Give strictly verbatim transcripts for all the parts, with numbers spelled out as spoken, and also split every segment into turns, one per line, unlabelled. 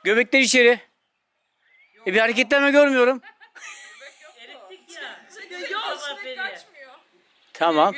Göbekler içeri. E bir hareketlenme görmüyorum.
Erittik ya. Yok. Kaçmıyor.
Tamam.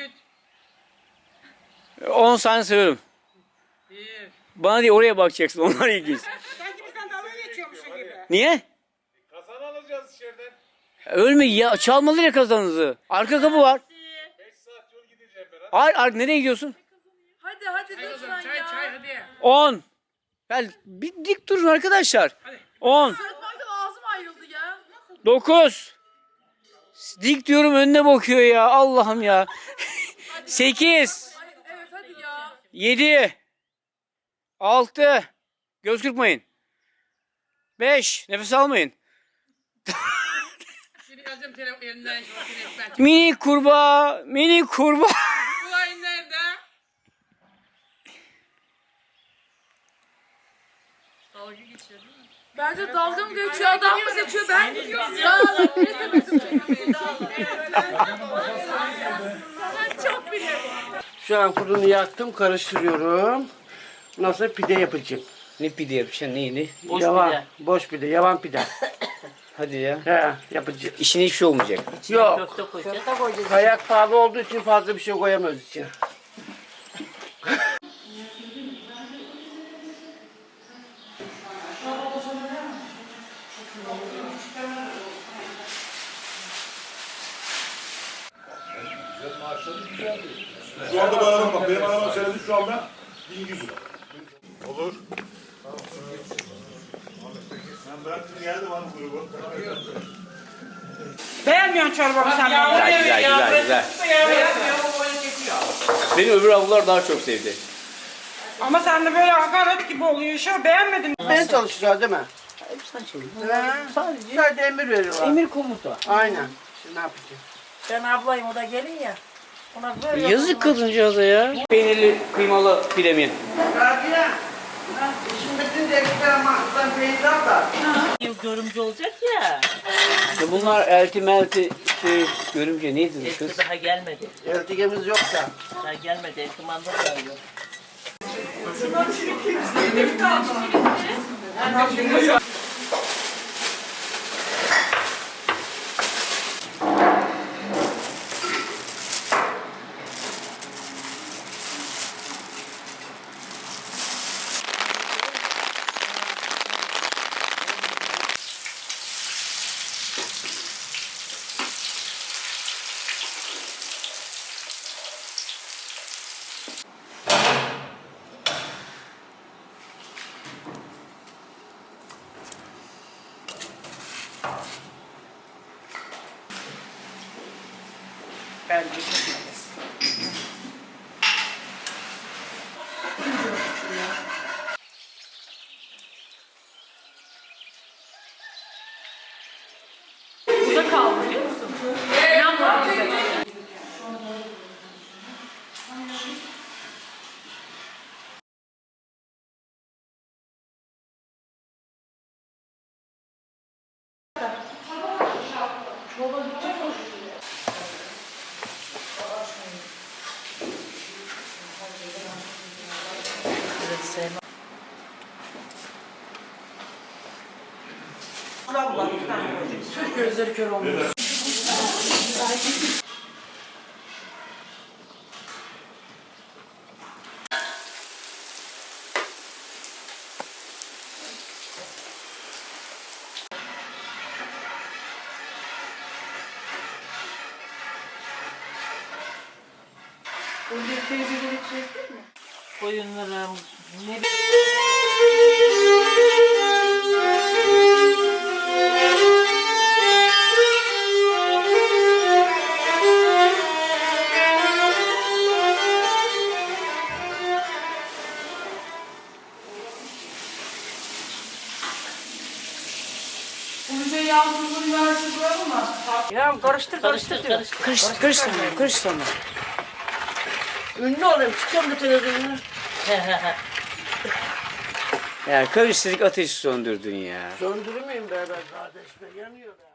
on saniye sayıyorum.
Bir.
Bana değil oraya bakacaksın. Onlar ilginç.
Sanki bizden dalga geçiyormuşsun gibi.
Niye?
Kazan alacağız içeriden.
Ölme ya. Çalmalı ya kazanınızı. Arka kapı var.
beş saat yol gideceğim ben.
Hayır, hayır nereye gidiyorsun?
Hadi hadi lütfen
Çay
ya.
çay hadi.
on. Gel bir dik durun arkadaşlar. on.
Sıkmaktan ağzım ayrıldı ya.
dokuz. Dik diyorum önüne bakıyor ya. Allah'ım ya. sekiz.
Ay, evet hadi ya.
yedi. altı. Göz kırpmayın. beş. Nefes almayın.
Şimdi alacağım telefon elinden şu telefon.
Mini kurbağa. Mini kurbağa.
Bu ay nerede?
Dalga geçiyor değil mi? Bence dalga mı geçiyor, adam mı seçiyor, ben gidiyorum ya. Çok biliyorum.
Şu an fırını yaktım, karıştırıyorum. Nasıl pide yapacağım?
Ne pide yapacaksın neyini?
Boş
yavan,
pide.
Boş pide, yavan pide.
Hadi ya.
He, yapacağım.
İşine hiçbir şey olmayacak.
Yok,
Köfte koyacağız.
kayak pahalı olduğu için fazla bir şey koyamıyoruz içine.
Şu anda bana bak. Benim arabam söyledi şu anda bin yüz lira. Olur. Ben bıraktım geldim hanım grubu.
Beğenmiyorsun çorbamı sen bana.
Güzel güzel güzel güzel. Beni öbür avlular daha çok sevdi.
Ama sen de böyle hakaret gibi oluyor şu. Beğenmedin.
Ben çalışacağız değil mi? Sadece. Sadece emir veriyorlar.
Emir komuta.
Aynen. Şimdi ne yapacağım?
Ben ablayım, o da gelin ya. Ona böyle
Yazık kadıncağıza ya. Peynirli kıymalı pide mi?
Rabia. Şimdi bütün devletler ama sen peynir al da.
görümcü olacak ya.
İşte bunlar elti melti şey görümce neydi bu
Eski
kız?
daha gelmedi.
Eltigemiz yok da.
Daha gelmedi. Eski manda da yok.
Bence çok iyi.
Burada kaldı biliyor musun? İnanmadım bize.
Gözleri kör olmuyor. Burada teyzeleri çektin mi?
Koyunlarım. Ne
Bunu şey yazdığını versin koyalım mı?
Ya karıştır
karıştır
diyor.
karıştır.
Karıştır karıştır karıştır ama.
Ünlü olayım. Çıkacağım da televizyona.
Ya karıştırdık ateşi söndürdün ya.
Söndürmeyeyim beraber kardeş be. Yanıyor be.